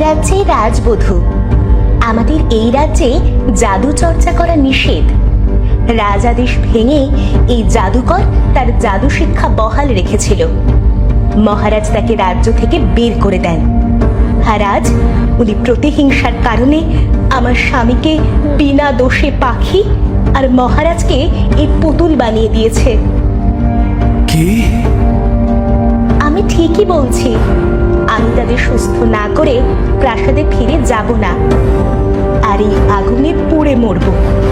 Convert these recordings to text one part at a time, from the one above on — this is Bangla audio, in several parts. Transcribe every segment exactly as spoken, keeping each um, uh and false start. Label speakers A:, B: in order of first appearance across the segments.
A: রাজ্যে রাজবধূ। আমাদের এই রাজ্যে জাদু চর্চা করা নিষেধ। রাজাদেশ ভেঙে এই জাদুকর তার জাদু শিক্ষা বহাল রেখেছিল। মহারাজ তাকে রাজ্য থেকে বের করে দেন। আর আজ উনি প্রতিহিংসার কারণে আমার স্বামীকে বিনা দোষে পাখি আর মহারাজকে এই পুতুল বানিয়ে দিয়েছে।
B: কি?
A: আমি ঠিকই বলছি। আমি তাদের সুস্থ না করে প্রাসাদে ফিরে যাব না, আর এই আগুনে পুড়ে মরব।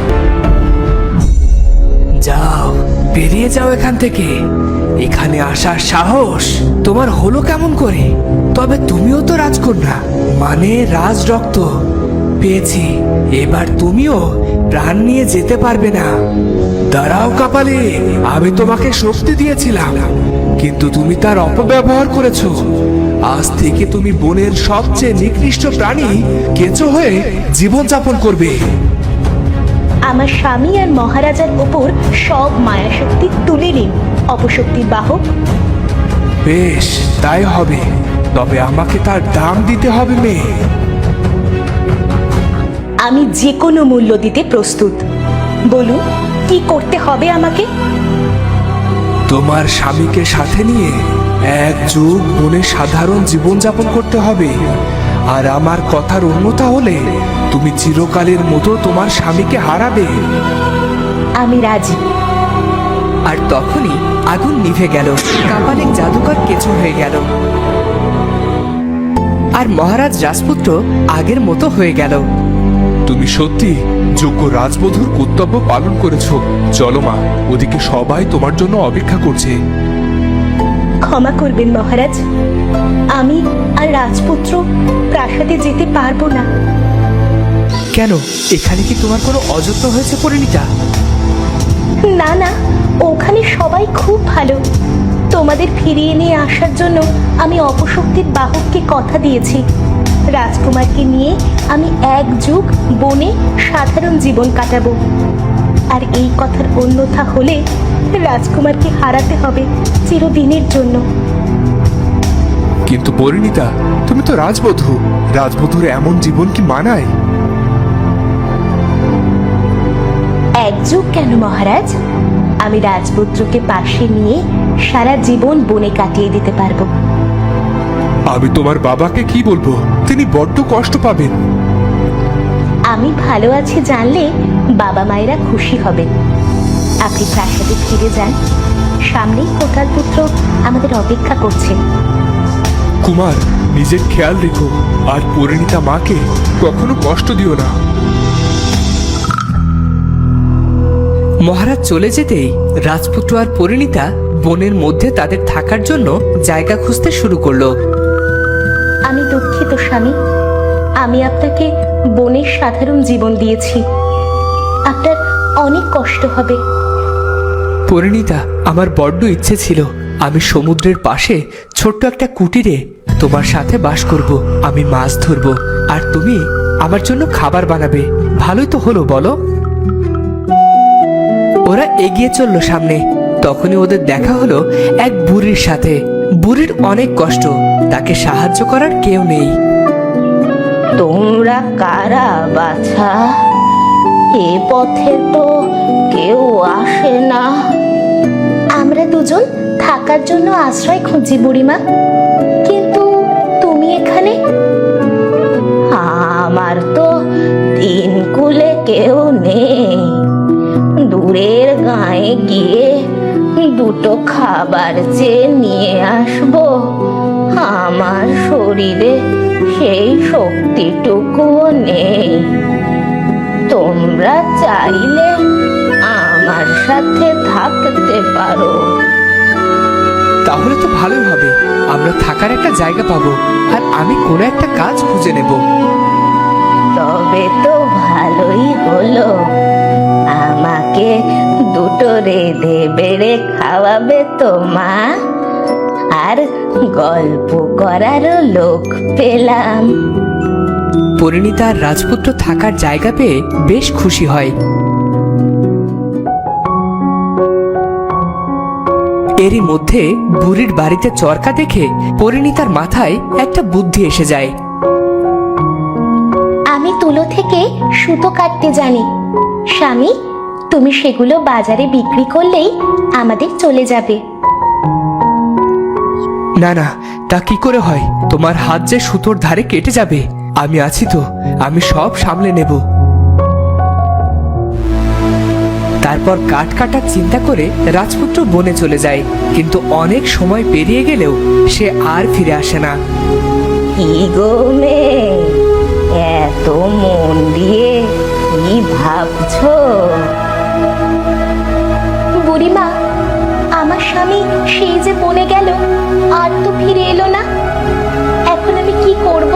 B: যাও, বেরিয়ে যাও এখান থেকে। এখানে আসার সাহস তোমার হলো কেমন করে? তবে তুমিও তো রাজকন্যা, মানে রাজ রক্ত পেয়েছি। এবার তুমিও প্রাণ নিয়ে যেতে পারবে না। দাঁড়াও কাপালি, আমি তোমাকে শক্তি দিয়েছিলাম, কিন্তু তুমি তার অপব্যবহার করেছো। আজ থেকে তুমি বনের সবচেয়ে নিকৃষ্ট প্রাণী কেঁচো হয়ে জীবনযাপন করবে।
A: আমার স্বামী আর মহারাজার ওপর সব মায়াশক্তি তুলে নিন, অপশক্তির বাহক।
B: বেশ, তাই হবে। তবে আমাকে তার দাম দিতে হবে মেয়ে।
A: আমি যে কোনো মূল্য দিতে প্রস্তুত। বলুন, কি করতে হবে আমাকে?
B: তোমার স্বামীকে সাথে নিয়ে এক যুগ বনে সাধারণ জীবনযাপন করতে হবে। আর আমার কথার অন্যথা হলে তুমি চিরকালের মতো তোমার স্বামীকে হারাবে।
A: আমি রাজি।
C: আর তখনই আগুন নিভে গেল, কাপালিক জাদুকর কেঁচো হয়ে গেল, আর মহারাজ রাজপুত্র আগের মতো হয়ে গেল।
B: তুমি সত্যি যোগ্য রাজবধূর কর্তব্য পালন করেছো। চলো মা, ওদিকে সবাই তোমার জন্য অপেক্ষা করছে।
A: ক্ষমা করবেন মহারাজ, আমি আর রাজপুত্র প্রাসাদে যেতে পারবো না।
C: কেন? এখানে কি তোমার কোনো অযত্ন হয়েছে পরিণীতা?
A: না না, ওখানে সবাই খুব ভালো। তোমাদের ফিরিয়ে নিয়ে আসার জন্য আমি অপশক্তির বাহককে কথা দিয়েছি। রাজকুমারকে নিয়ে আমি এক যুগ বনে সাধারণ জীবন কাটাবো। আর এই কথার অন্যথা হলে রাজকুমারকে হারাতে হবে চিরদিনের জন্য।
B: কিন্তু পরিণীতা, তুমি তো রাজবধূ। রাজবধূর এমন জীবন কি মানায়?
A: এক যুগ কেন মহারাজ, আমি রাজপুত্রকে পাশে নিয়ে সারা জীবন বনে কাটিয়ে দিতে পারবো।
B: আমি তোমার বাবাকে কি বলবো? তিনি বড্ড কষ্ট পাবেন।
A: আমি ভালো আছি জানলে বাবা মায়েরা খুশি হবেন। আপনি প্রাসাদে ফিরে যান, সামনেই কোটাল পুত্র আমাদের অপেক্ষা করছে।
B: কুমার, নিজের খেয়াল রেখো, আর পরিণীতা মাকে কখনো কষ্ট দিও না।
C: মহারাজ চলে যেতেই রাজপুত্র আর পরিণীতা বনের মধ্যে তাদের থাকার জন্য জায়গা খুঁজতে শুরু করলো।
A: আমি দুঃখিত স্বামী, আমি আপনাকে বনের সাধারণ জীবন দিয়েছি। আপনার অনেক কষ্ট হবে।
C: পরিণীতা, আমার বড্ড ইচ্ছে ছিল আমি সমুদ্রের পাশে ছোট্ট একটা কুটিরে তোমার সাথে বাস করব। আমি মাছ ধরবো আর তুমি আমার জন্য খাবার বানাবে। ভালোই তো হলো, বলো? ওরা এগিয়ে চলল সামনে। তখনই ওদের দেখা হলো এক বুড়ির সাথে। বুড়ির অনেক কষ্ট, তাকে সাহায্য করার কেউ নেই।
A: তোমরা কারা বাছা? এ পথে তো কেউ আসে না। আমরা দুজন থাকার জন্য আশ্রয় খুঁজি বুড়িমা, কিন্তু তুমি এখানে? আমার তো তিন কুলে কেউ নেই। দূরের গায়ে গিয়ে দুটো খাবার চেয়ে নিয়ে আসবো, আমার শরীরে সেই শক্তিটুকুও নেই। তোমরা চাইলে আমার সাথে থাকতে পারো।
C: তাহলে তো ভালোই হবে, আমরা থাকার একটা জায়গা পাবো, আর আমি কোনো একটা কাজ খুঁজে নেব।
A: তবে তো ভালোই হলো, আমাকে দুটো রেঁধে বেড়ে খাওয়াবে তো মা, আর গল্প করারও লোক পেলাম।
C: পরিণীতা আর রাজপুত্র থাকার জায়গা পেয়ে বেশ খুশি হয়। এরই মধ্যে বুড়ির বাড়িতে চরকা দেখে পরিণীতার মাথায় একটা বুদ্ধি এসে যায়।
A: তুলো থেকে সুতো কাটতে জানি। স্বামী, তুমি সেগুলো বাজারে বিক্রি করলেই আমাদের চলে যাবে।
C: না না, তা কি করে হয়? তোমার হাত যে সুতোর ধারে কেটে যাবে। আমি আছি তো, আমি সব সামলে নেব। তারপর কাঠ কাটার চিন্তা করে রাজপুত্র বনে চলে যায়, কিন্তু অনেক সময় পেরিয়ে গেলেও সে আর ফিরে আসে না।
A: কি গো মেয়ে, এত মন দিয়ে কি ভাবছো? বুড়িমা, আমার স্বামী সেই যে বনে গেল, আর তো ফিরে এলো না। এখন আমি কি করব?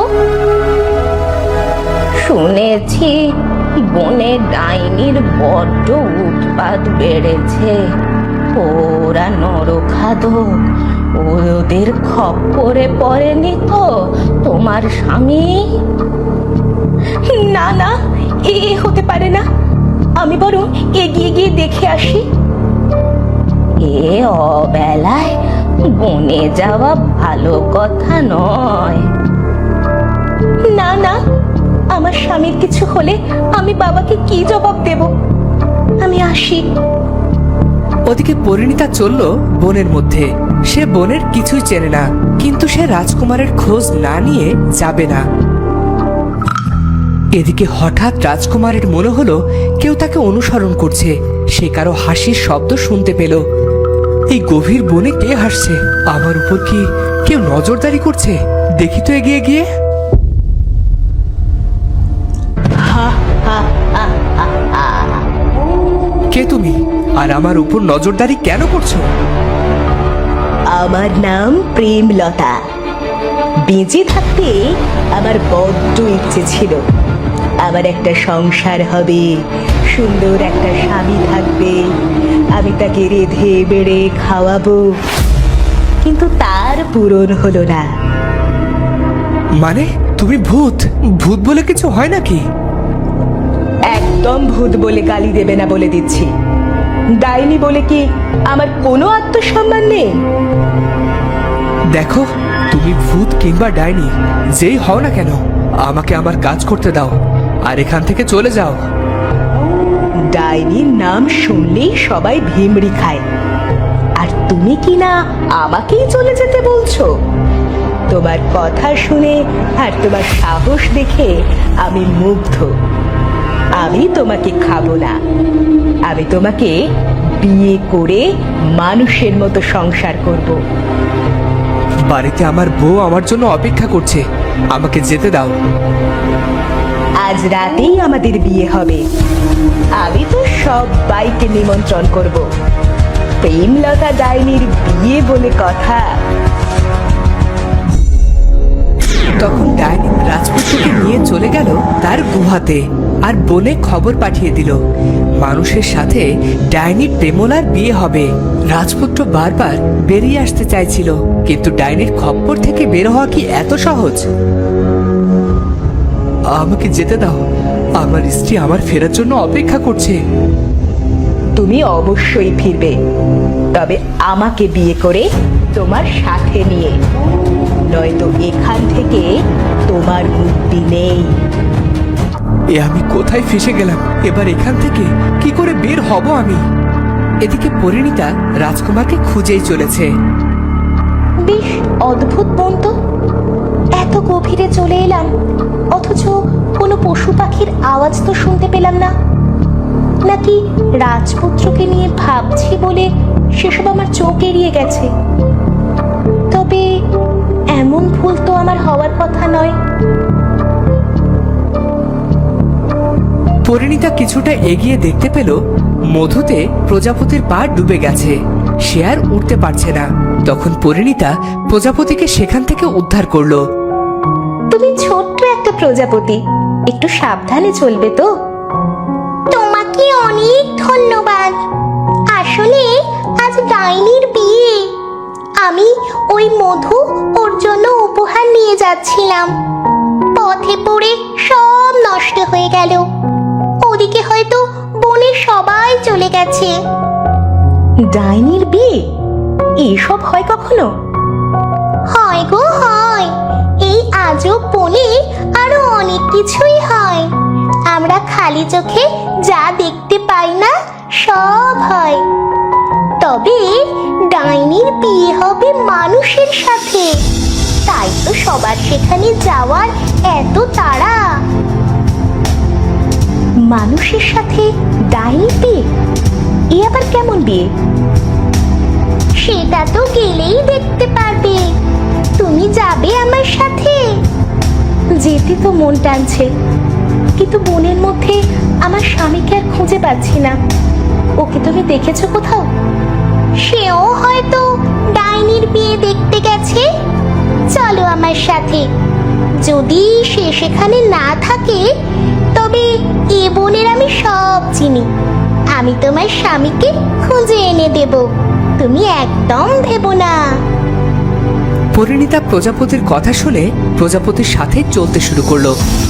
A: শুনেছি বনে ডাইনির বড্ড উৎপাত বেড়েছে। ওরা নরখাদক, ওদের খপ্পরে পড়েনি তো তোমার স্বামী? না না, এ হতে পারে না। আমি বরং এগিয়ে গিয়ে দেখে আসি। এ অবেলায় বনে যাওয়া ভালো কথা নয়। না না, আমার স্বামীর কিছু হলে আমি বাবাকে কি জবাব দেব? আমি আসি।
C: ওদিকে পরিণীতা চলল বনের মধ্যে। সে বনের কিছুই চেনে না, কিন্তু সে রাজকুমারের খোঁজ না নিয়ে যাবে না। এদিকে হঠাৎ রাজকুমারের মনে হলো কেউ তাকে অনুসরণ করছে। সে কারো হাসির শব্দ শুনতে পেল। এই গভীর বনে কে হাসছে? আমার উপর কি কেউ নজরদারি করছে? দেখি তো এগিয়ে গিয়ে। কে তুমি, আর আমার উপর নজরদারি কেন করছো?
A: আমার নাম প্রেমলতা। বেঁচে থাকতে আমার বড্ড ইচ্ছে ছিল আমার একটা সংসার হবে, সুন্দর একটা স্বামী থাকবে, আমি তাকে রেঁধে বেড়ে খাওয়াবো, কিন্তু তার পূরণ হলো না।
C: মানে তুমি ভূত? ভূত বলে কিছু হয় নাকি?
A: একদম ভূত বলে গালি দেবে না বলে দিচ্ছি। ডাইনি বলে কি আমার কোনো আত্মসম্মান নেই?
C: দেখো, তুমি ভূত কিংবা ডাইনি যেই হও না কেন, আমাকে আমার কাজ করতে দাও আর এখান থেকে চলে যাও।
A: ডাইনির নাম শুনলেই সবাই ভিমড়ি খায়, আর তুমি কি না আমাকেই চলে যেতে বলছো? তোমার কথা শুনে আর তোমার সাহস দেখে আমি মুগ্ধ। আমি তোমাকে খাবো না, আমি তোমাকে বিয়ে করে মানুষের মতো সংসার করব।
C: বাড়িতে আমার বউ আমার জন্য অপেক্ষা করছে, আমাকে যেতে দাও।
A: আজ রাতেই আমাদের বিয়ে হবে। আমি তো সবাইকে নিমন্ত্রণ করব। প্রেমলতা ডাইনির বিয়ে বলে কথা।
C: তখন ডাইনি রাজপুত্রকে নিয়ে চলে গেল তার গুহাতে, আর বনে খবর পাঠিয়ে দিল মানুষের সাথে ডাইনি প্রেমলার বিয়ে হবে। রাজপুত্র বারবার বেরিয়ে আসতে চাইছিল, কিন্তু ডাইনির খপ্পর থেকে বের হওয়া কি এত সহজ? আমাকে যেতে দাও, আমার স্ত্রী আমার ফেরার জন্য অপেক্ষা করছে।
A: তুমি অবশ্যই ফিরবে, তবে আমাকে বিয়ে করে তোমার সাথে নিয়ে, নয়তো এখান থেকে তোমার মুক্তি নেই।
C: এ আমি কোথায় ফেসে গেলাম? এবার এখান থেকে কি করে বের হব আমি? এদিকে পরিণীতা রাজকুমারকে খুঁজেই চলেছে।
A: বেশ অদ্ভুত বন তো। এত গভীরে চলে এলাম, অথচ কোনো পশু পাখির আওয়াজ তো শুনতে পেলাম না। নাকি রাজপুত্রকে নিয়ে ভাবছি বলে সেসব আমার চোখ এড়িয়ে গেছে? তবে এমন ভুল তো আমার হওয়ার কথা নয়।
C: পরিণীতা কিছুটা এগিয়ে দেখতে পেল মধুতে প্রজাপতির পা ডুবে গেছে, সে আর উঠতে পারছে না। তখন পরিণীতা প্রজাপতিকে সেখান থেকে উদ্ধার করলো।
A: তুমি ছোট্ট একটা প্রজাপতি, একটু সাবধানে চলবে তো। তোমাকে অনেক ধন্যবাদ। আসলে আজ ডাইনির বিয়ে, আমি ওই মধু ওর জন্য উপহার নিয়ে যাচ্ছিলাম, পথে পড়ে সব নষ্ট হয়ে গেল। ওদিকে হয়তো বনে সবাই চলে গেছে। ডাইনির বিয়ে এসব হয় কখনো? হয় গো হয়। এই আজব বনে আরো অনেক অনেক কিছুই হয়। আমরা খালি চোখে যা দেখতে পাই না সব হয়। তবে ডাইনির বিয়ে হবে মানুষের সাথে, তাই তো সবার সেখানে যাওয়ার এত তাড়া। মানুষের সাথে ডাইনির বিয়ে? এ আবার কেমন বিয়ে? সেটা তো গেলেই দেখতে পারবে। তুমি যাবে আমার সাথে? যেতে তো মন টানছে, কিন্তু মনের মধ্যে আমার স্বামীকে আর খুঁজে পাচ্ছি না। ওকে তুমি দেখেছো কোথাও? সেও হয়তো ডাইনির বিয়ে দেখতে গেছে। চলো আমার সাথে। যদি সে সেখানে না থাকে তবে এ বনের আমি সব চিনি। আমি তোমার স্বামীকে খুঁজে এনে দেব, তুমি একদম ভেবো না।
C: পরিণীতা প্রজাপতির কথা শুনে প্রজাপতির সাথে চলতে শুরু করলো।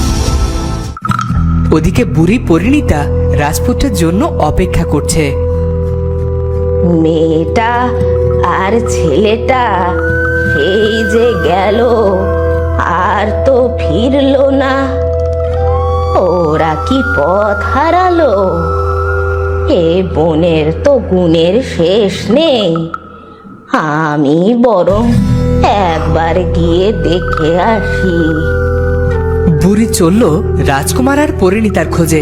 C: ওদিকে বুড়ি পরিণীতা রাজপুত্রের জন্য অপেক্ষা করছে।
A: মেয়েটা আর ছেলেটা এই যে গেল, আর তো ফিরলো না। ওরা কি পথ হারালো? এ বনের তো গুণের শেষ নেই। আমি বরং একবার গিয়ে দেখে আসি।
C: বুড়ি চলল রাজকুমার আর পরিণীতার খোঁজে।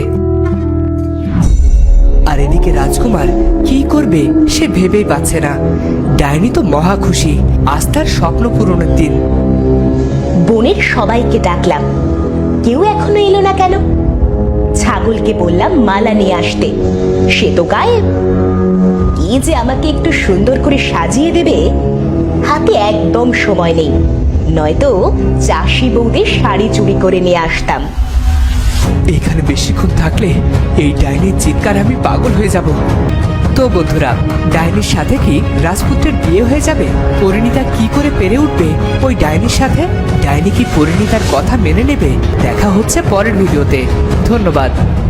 C: আর এদিকে রাজকুমার কি করবে সে ভেবেই পাচ্ছে না। ডাইনি তো মহা খুশি, আজ তার স্বপ্ন পূরণের দিন।
A: বনের সবাইকে ডাকলাম, কেউ এখনো এলো না কেন? ছাগলকে বললাম মালা নিয়ে আসতে, সে তো গায়েব। কি যে আমাকে একটু সুন্দর করে সাজিয়ে দেবে, হাতে একদম সময় নেই, নয়তো চাষি বউদের শাড়ি চুরি করে নিয়ে আসতাম।
C: এখানে বেশিক্ষণ থাকলে এই ডাইনির চিৎকার আমি পাগল হয়ে যাব। তো বন্ধুরা, ডাইনির সাথে কি রাজপুত্রের বিয়ে হয়ে যাবে? পরিণীতা কি করে পেরে উঠবে ওই ডাইনির সাথে? ডাইনি কি পরিণীতার কথা মেনে নেবে? দেখা হচ্ছে পরের ভিডিওতে। ধন্যবাদ।